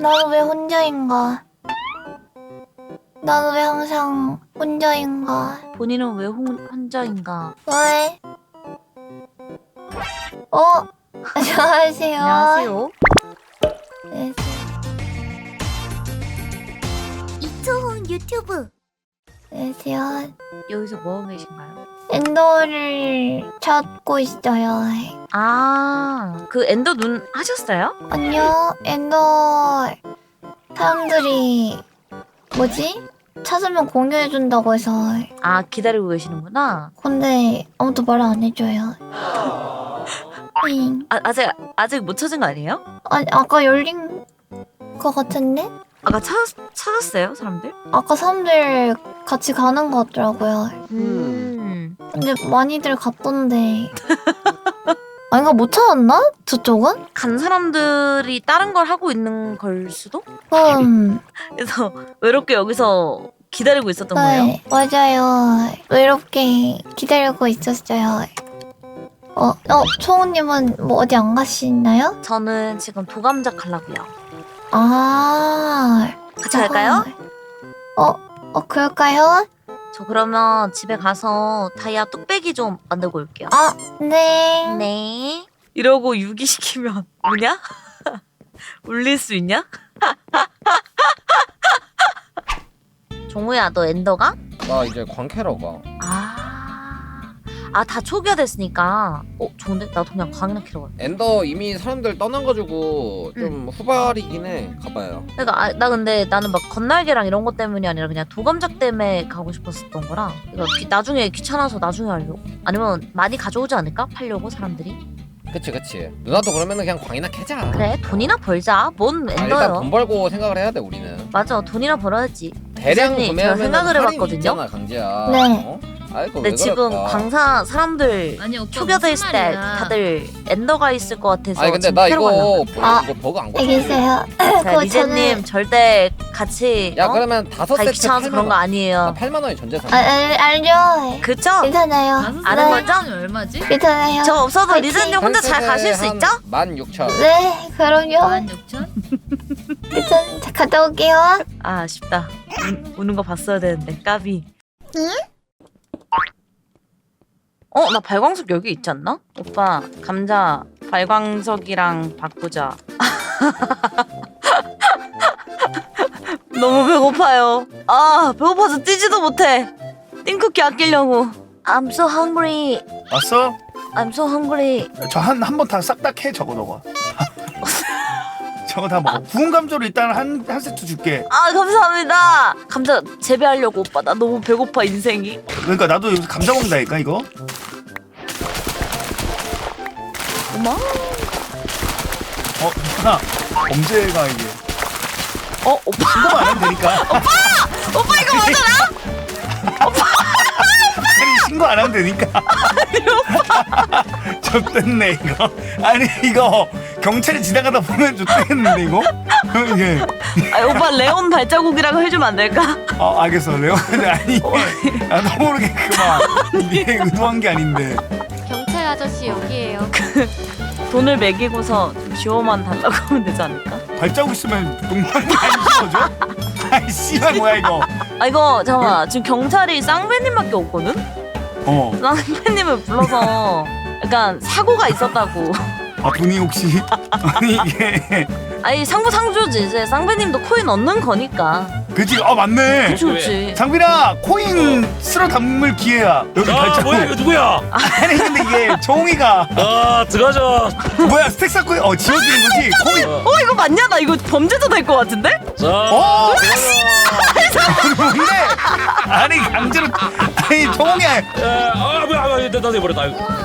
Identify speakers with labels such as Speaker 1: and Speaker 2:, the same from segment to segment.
Speaker 1: 나는 왜 혼자인가? 나는 왜 항상 혼자인가?
Speaker 2: 본인은 왜 혼자인가?
Speaker 1: 왜? 안녕하세요.
Speaker 2: 안녕하세요.
Speaker 1: 네.
Speaker 3: 이초훈 유튜브.
Speaker 1: 안녕하세요.
Speaker 2: 여기서 뭐 하고 계신가요?
Speaker 1: 엔더를 찾고 있어요.
Speaker 2: 그 엔더 눈 하셨어요?
Speaker 1: 아니요, 엔더 사람들이 뭐지? 찾으면 공유해준다고 해서.
Speaker 2: 기다리고 계시는구나.
Speaker 1: 근데 아무도 말 안 해줘요.
Speaker 2: 아직 못 찾은 거 아니에요?
Speaker 1: 아니, 아까 열린 거 같은데?
Speaker 2: 아까 찾았어요, 사람들?
Speaker 1: 아까 사람들 같이 가는 거 같더라고요. 근데 많이들 갔던데. 이거 못 찾았나? 저쪽은?
Speaker 2: 간 사람들이 다른 걸 하고 있는 걸 수도? 그래서 외롭게 여기서 기다리고 있었던 거예요?
Speaker 1: 네, 맞아요. 외롭게 기다리고 있었어요. 초우님은 뭐 어디 안 가시나요?
Speaker 2: 저는 지금 도감작 가려고요. 같이
Speaker 1: 저거.
Speaker 2: 갈까요?
Speaker 1: 그럴까요?
Speaker 2: 저 그러면 집에 가서 다이아 뚝배기 좀 만들고 올게요.
Speaker 1: 네.
Speaker 2: 네. 이러고 유기시키면 우냐? 울릴 수 있냐? 종우야, 너 엔더가?
Speaker 4: 나 이제 광캐러 가.
Speaker 2: 다 초기화 됐으니까. 좋은데? 나도 그냥 광이나 키러 갈게.
Speaker 4: 엔더 이미 사람들 떠나가지고 좀 후발이긴 해. 가봐요.
Speaker 2: 그러니까 나는 막 건날개랑 이런 것 때문이 아니라 그냥 도감작 때문에 가고 싶었었던 거라. 이거 나중에 귀찮아서 나중에 하려고. 아니면 많이 가져오지 않을까? 팔려고 사람들이.
Speaker 4: 그치. 누나도 그러면은 그냥 광이나 캐자.
Speaker 2: 그래, 돈이나 벌자. 뭔
Speaker 4: 일단
Speaker 2: 엔더요?
Speaker 4: 돈 벌고 생각을 해야 돼 우리는.
Speaker 2: 맞아, 돈이나 벌어야지.
Speaker 4: 대량
Speaker 2: 기자님,
Speaker 4: 구매하면
Speaker 2: 제가 생각을 해봤거든요.
Speaker 4: 있잖아, 강지야.
Speaker 1: 네.
Speaker 4: 아이고
Speaker 2: 근데
Speaker 4: 왜
Speaker 2: 지금
Speaker 4: 그럴까?
Speaker 2: 광사 사람들
Speaker 5: 아니 오빠
Speaker 2: 초기화돼
Speaker 5: 무슨
Speaker 2: 있을 때
Speaker 5: 말이야.
Speaker 2: 다들 엔더가 있을 것 같아서.
Speaker 4: 아니 근데
Speaker 2: 지금
Speaker 4: 나
Speaker 2: 캐러
Speaker 4: 이거
Speaker 2: 가려고.
Speaker 4: 버그 안
Speaker 1: 여기
Speaker 4: 고쳐.
Speaker 1: 있어요.
Speaker 2: 자,
Speaker 1: 그거
Speaker 2: 리제님 절대 같이
Speaker 4: 야 그러면 다섯
Speaker 2: 가기
Speaker 4: 세트
Speaker 2: 귀찮아서
Speaker 4: 8만
Speaker 2: 그런 거
Speaker 4: 원.
Speaker 2: 아니에요.
Speaker 4: 8만 원이 전재산.
Speaker 1: 알죠?
Speaker 2: 그쵸?
Speaker 1: 괜찮아요.
Speaker 2: 아는
Speaker 1: 네.
Speaker 2: 거죠?
Speaker 5: 얼마지?
Speaker 1: 괜찮아요.
Speaker 2: 저 없어도
Speaker 1: 화이팅!
Speaker 2: 리제님 혼자 잘 가실 수 있죠?
Speaker 4: 16,000.
Speaker 1: 네, 그럼요.
Speaker 5: 16,000?
Speaker 1: 일단 갔다 올게요.
Speaker 2: 아쉽다. 우는 거 봤어야 되는데 까비. 나 발광석 여기 있지 않나? 오빠 감자 발광석이랑 바꾸자. 너무 배고파요. 배고파서 뛰지도 못해. 띵쿠키 아끼려고. I'm so hungry.
Speaker 6: 왔어?
Speaker 2: I'm so hungry.
Speaker 6: 저 한 번 다 싹 다 캐 저거 너가. 저거 다 먹어. 구운 감자로 일단 한 세트 줄게.
Speaker 2: 감사합니다. 감자 재배하려고 오빠. 나 너무 배고파 인생이.
Speaker 6: 그러니까 나도 여기서 감자 먹는다니까 이거.
Speaker 2: 어머.
Speaker 6: 하나 범죄가 이게.
Speaker 2: 오빠.
Speaker 6: 신고만 안 하면 되니까.
Speaker 2: 오빠 이거 맞아?
Speaker 6: 아니 신고 안 하면 되니까. 좆됐네 이거. 아니 이거 경찰이 지나가다 보면 좆됐는데 이거. 이게.
Speaker 2: 오빠 레온 발자국이라고 해주면 안 될까?
Speaker 6: 알겠어 레오. 아니 이게 나도 모르게 이게 의도한 게 아닌데.
Speaker 3: 경찰 아저씨 여기에요.
Speaker 2: 돈을 매기고서 좀 지워만 달라고 하면 되지 않을까?
Speaker 6: 발자국 있으면 동물이 안 지워져? 아이 씨발 뭐야 이거.
Speaker 2: 이거 잠깐만. 지금 경찰이 쌍배님밖에 없거든? 쌍배님을 불러서 약간 사고가 있었다고.
Speaker 6: 돈이 혹시 아니 이게
Speaker 2: 상부상조지. 이제 쌍배님도 코인 얻는 거니까.
Speaker 6: 그치? 맞네.
Speaker 2: 그치.
Speaker 6: 장빈아 코인 쓸어 담을 기회야. 여기 발자국.
Speaker 7: 뭐야 이거 누구야?
Speaker 6: 아니 근데 이게 종이가
Speaker 7: 들어가자.
Speaker 6: 뭐야 스택 쌓고 지워지는 거지 코인.
Speaker 2: 이거 맞냐? 나 이거 범죄자 될 것 같은데?
Speaker 7: 자,
Speaker 6: 뭔데? 아니 강제로 아니 종이.
Speaker 7: 뭐야 나도 해버렸다.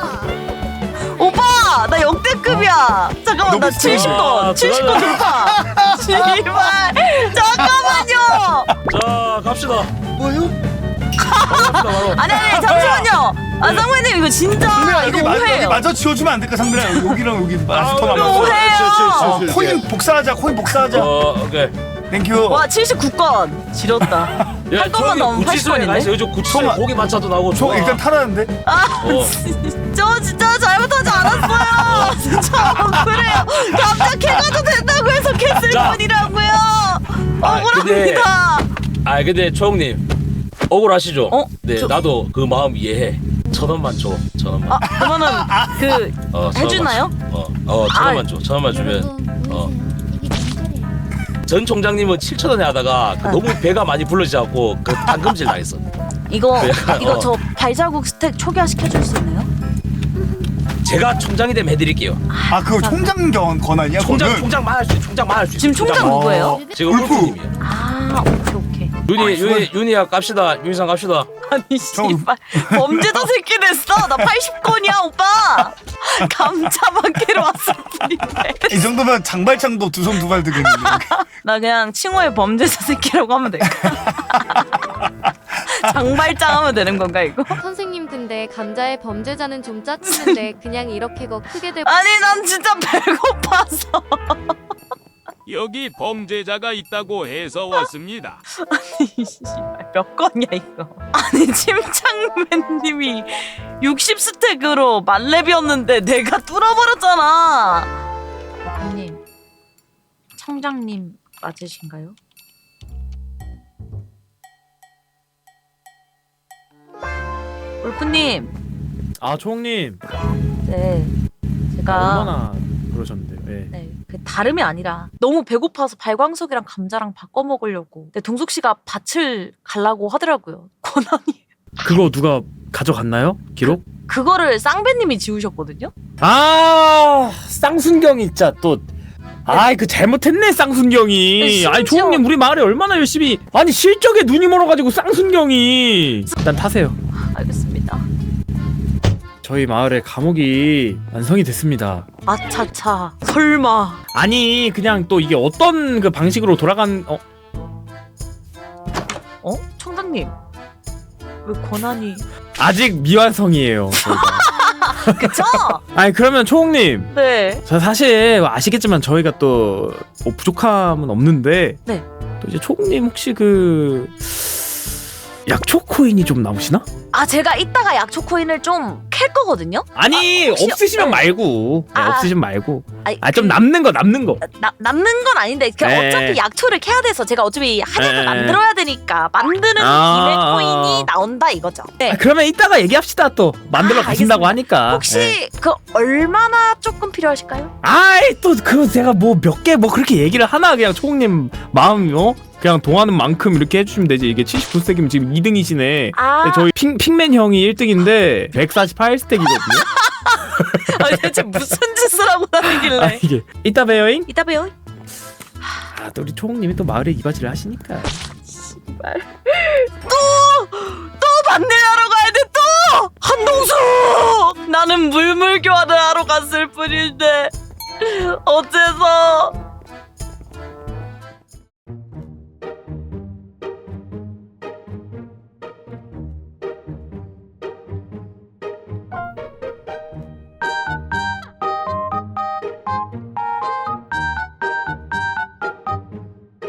Speaker 2: 오빠! 나 역대급이야! 잠깐만, 나
Speaker 6: 너무
Speaker 2: 70건! 70건 좋다! 제발! 잠깐만요!
Speaker 7: 자, 갑시다.
Speaker 6: 뭐요?
Speaker 2: 아니, 잠시만요! 쌍배님, 이거 진짜, 이거
Speaker 6: 여기
Speaker 2: 오해예요.
Speaker 6: 마저 지워주면 안 될까 상빈아? 여기랑 여기 마스터
Speaker 2: 이거
Speaker 6: 남았어.
Speaker 2: 오해예요!
Speaker 6: 코인 복사하자.
Speaker 7: 오케이.
Speaker 6: 땡큐.
Speaker 2: 와, 79건! 지렸다. 한 건만 넘으면
Speaker 7: 구치소에
Speaker 2: 80건인데?
Speaker 7: 가서 요즘 구치소에 고기 반찬도 나오고
Speaker 6: 저
Speaker 7: 좋아.
Speaker 6: 일단 타라는데.
Speaker 2: 저 진짜 잘못하지 않았어요! 진짜 그래요! 감자 캐가도 된다고 해서 캐쓸
Speaker 7: 자.
Speaker 2: 뿐이라고요! 억울합니다.
Speaker 7: 근데 초홍님 억울하시죠?
Speaker 2: 어?
Speaker 7: 네,
Speaker 2: 저-
Speaker 7: 나도 그 마음 이해해. 1,000원만 줘. 1,000원만.
Speaker 2: 아 그러면은 그
Speaker 7: 1,000원만
Speaker 2: 해주나요?
Speaker 7: 줘. 1,000원만 줘. 1,000원만 주면
Speaker 3: 이게 진짜래요.
Speaker 7: 전 총장님은 7,000원에 하다가 그 너무 배가 많이 불러지갖고 그 당금질 당했어.
Speaker 2: 이거
Speaker 7: 약간,
Speaker 2: 이거 저 발자국 스택 초기화 시켜줄 수 있나요?
Speaker 7: 제가 총장이 되면 해드릴게요.
Speaker 6: 아 그거 총장 권한이야?
Speaker 7: 총장만 할 수 있어. 총장만 할 수 있어.
Speaker 2: 지금 총장 누구예요?
Speaker 7: 지금
Speaker 6: 울프.
Speaker 7: 울프님이에요.
Speaker 2: 아 오케이.
Speaker 7: 윤희야 갑시다. 윤희상 갑시다.
Speaker 2: 아니 씨발 범죄자 새끼 됐어. 나 80건이야 오빠. 감자 받기로 왔을 뿐인데.
Speaker 6: 이 정도면 장발창도 두 손 두 발 들겠는데.
Speaker 2: 나 그냥 칭호의 범죄자 새끼라고 하면 될까? 장발장 하면 되는 건가 이거?
Speaker 3: 선생님 근데 감자의 범죄자는 좀 짜치는데 그냥 이렇게 거 크게 될
Speaker 2: 아니 난 진짜 배고파서.
Speaker 8: 여기 범죄자가 있다고 해서 왔습니다.
Speaker 2: 씨발 몇 건이야 이거? 아니 침착맨님이 60스택으로 만렙이었는데 내가 뚫어버렸잖아. 대표님, 청장님 맞으신가요? 울프님,
Speaker 5: 아 초홍님
Speaker 2: 네 제가
Speaker 5: 얼마나 그러셨는데요? 예.
Speaker 2: 네, 그 다름이 아니라 너무 배고파서 발광석이랑 감자랑 바꿔 먹으려고. 근데 동숙 씨가 밭을 갈라고 하더라고요. 권한이.
Speaker 5: 그거 누가 가져갔나요? 기록?
Speaker 2: 그거를 쌍배님이 지우셨거든요.
Speaker 5: 아 쌍순경이 진짜 또 아이 그 잘못했네 쌍순경이.
Speaker 2: 심지어-
Speaker 5: 아니 초홍님 우리 마을에 얼마나 열심히 아니 실적에 눈이 멀어가지고 쌍순경이 일단 타세요.
Speaker 2: 알겠습니다.
Speaker 5: 저희 마을에 감옥이 완성이 됐습니다.
Speaker 2: 아차차. 설마.
Speaker 5: 아니 그냥 또 이게 어떤 그 방식으로 돌아간
Speaker 2: 청장님. 왜 권한이.
Speaker 5: 아직 미완성이에요. 저희가.
Speaker 2: 그쵸?
Speaker 5: 아니 그러면 초홍님
Speaker 2: 네.
Speaker 5: 저 사실 아시겠지만 저희가 또 뭐 부족함은 없는데
Speaker 2: 네.
Speaker 5: 또 이제 초홍님 혹시 그 약초 코인이 좀 남으시나?
Speaker 2: 아 제가 이따가 약초 코인을 좀 캘 거거든요.
Speaker 5: 아니
Speaker 2: 혹시-
Speaker 5: 없으시면
Speaker 2: 네.
Speaker 5: 말고 네,
Speaker 2: 아,
Speaker 5: 없으시면 말고
Speaker 2: 아니,
Speaker 5: 좀 남는 거
Speaker 2: 남는 건 아닌데 그
Speaker 5: 네.
Speaker 2: 어차피 약초를 캐야 돼서 제가 어차피 한약을
Speaker 5: 네.
Speaker 2: 만들어야 되니까 만드는
Speaker 5: 아,
Speaker 2: 김에 코인이 나온다 이거죠. 네.
Speaker 5: 아, 그러면 이따가 얘기합시다. 또 만들러
Speaker 2: 아,
Speaker 5: 가신다고 하니까
Speaker 2: 혹시
Speaker 5: 네.
Speaker 2: 그 얼마나 조금 필요하실까요?
Speaker 5: 아이 또 그거 제가 뭐 몇 개 뭐 그렇게 얘기를 하나 그냥 초홍님 마음 그냥 동하는 만큼 이렇게 해주시면 되지. 이게 79스택이면 지금 2등이시네.
Speaker 2: 아,
Speaker 5: 저희 핑맨 형이 1등인데 148스택이거든요.
Speaker 2: 아니, 대체 무슨 짓을 하고
Speaker 5: 아
Speaker 2: 다니길래?
Speaker 5: 이게 이따 봬요잉.
Speaker 2: 이따 봬요.
Speaker 5: 아 또 우리 초홍님이 또 마을에 이바지를 하시니까.
Speaker 2: 또 반대하러 가야 돼 또. 한동숙. 나는 물물 교환을 하러 갔을 뿐인데 어째서